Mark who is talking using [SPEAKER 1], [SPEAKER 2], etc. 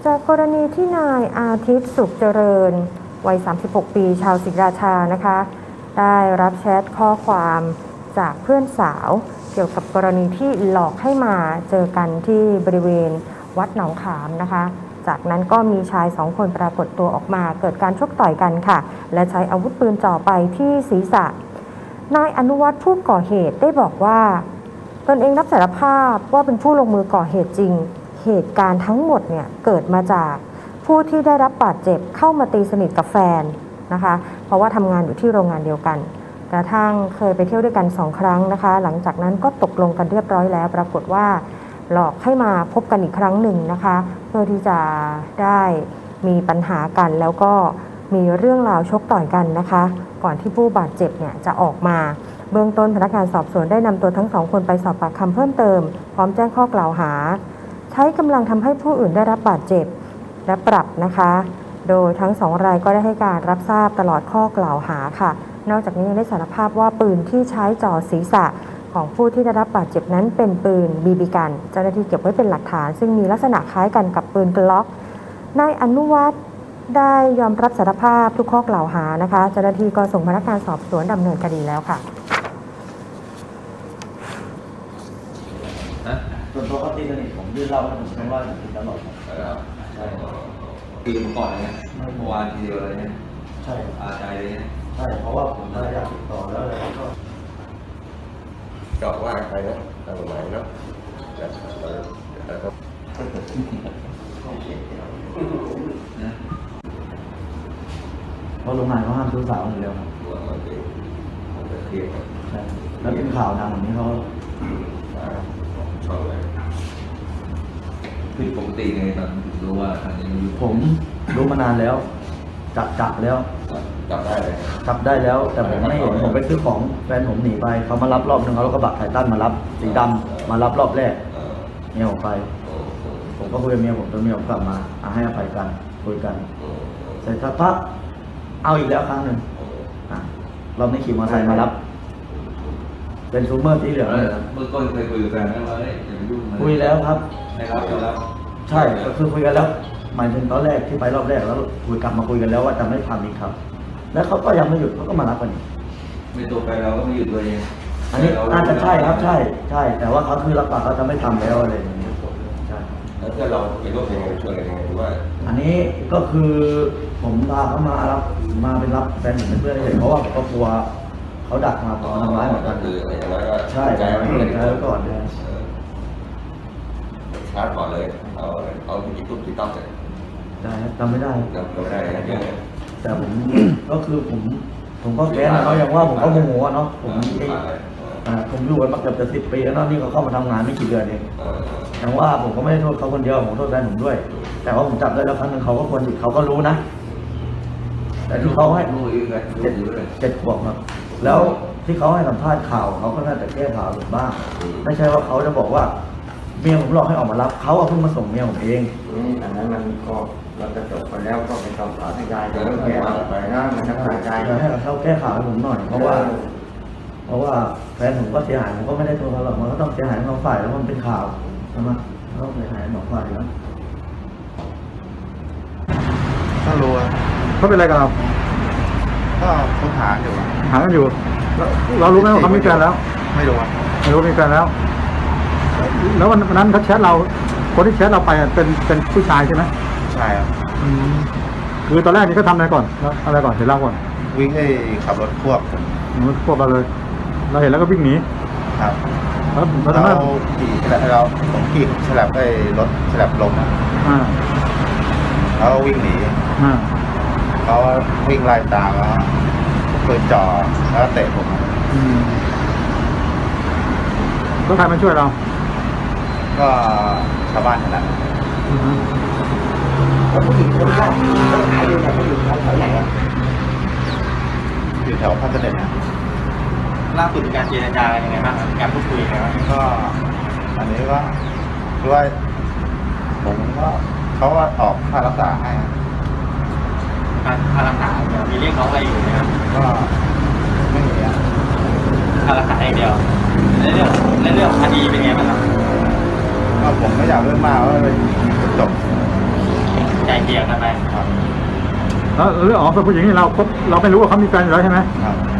[SPEAKER 1] จากกรณีที่นายอาทิตย์สุขเจริญวัย 36 ปีชาวศรีราชานะคะได้รับแชทข้อความจากเพื่อนสาวเกี่ยวกับกรณีที่หลอกให้มาเจอกันที่บริเวณวัดหนองขามนะคะจากนั้นก็มีชาย2 คนปรากฏตัวออกมาเกิดการชกต่อยกันค่ะและใช้อาวุธปืนจ่อไปที่ศีรษะนายอนุวัฒน์ผู้ก่อเหตุได้บอกว่าตนเองรับสารภาพว่าเป็นผู้ลงมือก่อเหตุจริงเหตุการณ์ทั้งหมดเนี่ยเกิดมาจากผู้ที่ได้รับบาดเจ็บเข้ามาตีสนิทกับแฟนนะคะเพราะว่าทำงานอยู่ที่โรงงานเดียวกันกระทั่งเคยไปเที่ยวด้วยกัน2 ครั้งนะคะหลังจากนั้นก็ตกลงกันเรียบร้อยแล้วปรากฏว่าหลอกให้มาพบกันอีกครั้งหนึ่งนะคะเพื่อที่จะได้มีปัญหากันแล้วก็มีเรื่องราวชกต่อยกันนะคะก่อนที่ผู้บาดเจ็บเนี่ยจะออกมาเบื้องต้นพนักงานสอบสวนได้นำตัวทั้ง2 คนไปสอบปากคำเพิ่มเติมพร้อมแจ้งข้อกล่าวหาใช้กำลังทำให้ผู้อื่นได้รับบาดเจ็บและปรับนะคะโดยทั้ง2 รายก็ได้ให้การรับทราบตลอดข้อกล่าวหาค่ะนอกจากนี้ยังได้สารภาพว่าปืนที่ใช้จ่อศีรษะของผู้ที่ได้รับบาดเจ็บนั้นเป็นปืนบีบีกันเจ้าหน้าที่เก็บไว้เป็นหลักฐานซึ่งมีลักษณะคล้ายกันกับปืนกล็อกนายอนุวัฒน์ได้ยอมรับสารภาพทุกข้อกล่าวหานะคะเจ้าหน้าที่ก็ส่งพนักงานสอบสวนดำเนินคดีแล้วค่ะ
[SPEAKER 2] ส่วนตัวเขาตีสนิทผมยื่นเหล้าให้ผมทั้งว่ากินตลอดใช่
[SPEAKER 3] คือก่อนเลยเมื่อวานทีเดียวเลยเนี่ย
[SPEAKER 2] ใช่
[SPEAKER 3] อาใจเลยเนี่ย
[SPEAKER 2] ใช่เพราะว่าผมอยากติดต่อแล้วเลยก็
[SPEAKER 4] จอกว่าใครนะทางไหนเนาะ
[SPEAKER 2] เพราะโรงงานเขาห้ามซื้อสาวอยู่แล้วครับใช่แล้วเป็นข่าวดังแบบนี้เขา
[SPEAKER 4] ชอบเลย
[SPEAKER 3] ผิดปกติไงตอนรู้ว่าทางนี้
[SPEAKER 2] ผมรู้มานานแล้วจับแล้ว
[SPEAKER 4] จับได้เลย
[SPEAKER 2] จับได้แล้วแต่ผมไม่เห็นผมไปซื้อของแฟนผมหนีไปเขามารับรอบนึงเขาแล้วก็บักไททันมารับสีดำมารับรอบแรกเมียผมไปผมก็คุยกับเมียผมจนเมียผมกลับมาให้อภัยกันคุยกันเสร็จสักพักเอาอีกแล้วครั้งหนึ่งเราไม่ขี่มอเตอร์ไซค์มารับเป็นซูเมอร์สีเหลือง
[SPEAKER 3] เมื่อก่อนเคยคุยกับแฟนไหมว่าอย่าไปยุ่ง
[SPEAKER 2] คุยแล้วครับ
[SPEAKER 3] ไม่รับไม่รับ
[SPEAKER 2] ใช่ก็คือคุยกันแล้วหมายถึงตอนแรกที่ไปรอบแรกแล้วคุยกลับมาคุยกันแล้วว่าจะไม่ทำอีกครับแล้วเขาก็ยังไม่หยุดเขาก็มารับกันอีก
[SPEAKER 3] ไม่ตัวไปเราก็ไม่หยุดตัวเอง
[SPEAKER 2] อันนี้น่าจะใช่ครับใช่แต่ว่าเขาคือรับปากเขาจะไม่ทำแล้วอะไรอย่างนี้ใช่
[SPEAKER 4] แล้วเพื่อนเราไปร่วมยังไงช่วยกันยังไงหรือว่า
[SPEAKER 2] อันนี้ก็คือผมพาเขามารับมาเป็นรับแฟนผมเป็นเพื่อนเฉยเพราะว่าผมก็กลัวเขาดักมาขอทำร้ายเหมือนกัน
[SPEAKER 4] คืออย่างไรก็
[SPEAKER 2] ใช่ใจไว้ก่อนเลย
[SPEAKER 4] ชาร์จก่อนเลยเอาที่ตุ้มที่ต้องเลย
[SPEAKER 2] ได้จำไม่ได้
[SPEAKER 4] จำไม่ได้
[SPEAKER 2] แต่ผมก็คือผมก็แค้นเขาอย่างว่าผมก็โมโหเนาะผมอยู่กันมาเกือบจะ10 ปีแล้วเนาะนี่เขาเข้ามาทำงานไม่กี่เดือนเองอย่างว่าผมก็ไม่ได้โทษเขาคนเดียวผมโทษแฟนผมด้วยแต่ว่าผมจับได้แล้วครั้งนึงเขาก็ควรเขาก็รู้นะแต่ที่เขาให้7 ขวบครับแล้วที่เขาให้สัมภาษณ์ข่าวเขาก็น่าจะแก้ข่าวหรือบ้างไม่ใช่ว่าเขาจะบอกว่าเมียผมหลอกให้ออกมารับเขาเพิ่งมาส่งเมียผมเอง
[SPEAKER 5] อันนั้นมันก็เราจะจบไปแล้วก็เป็นคำสอนให้ยายจะต้องแก้ไปนะมันจะขาดใจ
[SPEAKER 2] ให้เขาแก้ข่าวให้ผมหน่อยเพราะว่าแฟนผมก็เสียหายผมก็ไม่ได้ตัวเขาหรอกมันก็ต้องเสียหายทั้งฝ่ายแล้วมันเป็นข่าวใช่ไหมต้องเสียหายทั้งฝ่ายแล้ว
[SPEAKER 5] ถ้ารู้
[SPEAKER 6] เขาเป็นอะไรกับเรา
[SPEAKER 5] ก็ค้นหาอยู่
[SPEAKER 6] หากันอยู่เรารู้ไหมว่าเขามีแฟนแล้ว
[SPEAKER 5] ไม่รู้
[SPEAKER 6] มีแฟนแล้วแล้ววันนั้นเขาแชทเราคนที่แชทเราไปเป็นผู้ชายใช่ไหม
[SPEAKER 5] ใช่ครับ
[SPEAKER 6] คือตอนแรกนี่เขาทำอะไรก่อนแล้วอะไรก่อนเดี๋ยวเล่าก่อน
[SPEAKER 5] วิ่งให้ขับรถควบ
[SPEAKER 6] เราเลยเราเห็นแล้วก็วิ่งหนี
[SPEAKER 5] ครับเราขี่ผมขี่ฉลับได้รถฉลับลงนะเขาวิ่งหนีเขาวิ่งไล่ตามแล้วปืนจ่อแล้วเตะผม
[SPEAKER 6] ต้องใครมาช่วยเรา
[SPEAKER 5] ก็ชาวบ้านนั่นแหละ
[SPEAKER 2] แล้วผู้หญิงคนแรกใครอยู่ไหนผู้หญิงแถวไหน
[SPEAKER 5] อยู่แถวพระเสด็จนะ
[SPEAKER 2] ล่าสุดการเจรจายังไงบ้างการพูดคุยกัน
[SPEAKER 5] ก็อันนี้ก็ด้วยผมก็เขาว่าออกค่ารักษาให้
[SPEAKER 2] ค่ารักษามีเรียกร้องอะไรอยู่ไหมครับ
[SPEAKER 5] ก็ไม่มี
[SPEAKER 2] ค่ารักษาอย่างเดียวในเรื่องคดีเป็นไงบ้างครับ
[SPEAKER 5] ก็ผมไม่อยากเรื่องมากว่าจบ
[SPEAKER 2] เกลี่ยกันไป
[SPEAKER 5] ครับ
[SPEAKER 6] แล้วเรื่องอ๋อเป็นผู้หญิงนี่เราไม่รู้ว่าเขามีแฟนอยู่แล้วใช่ไหม
[SPEAKER 5] ครับ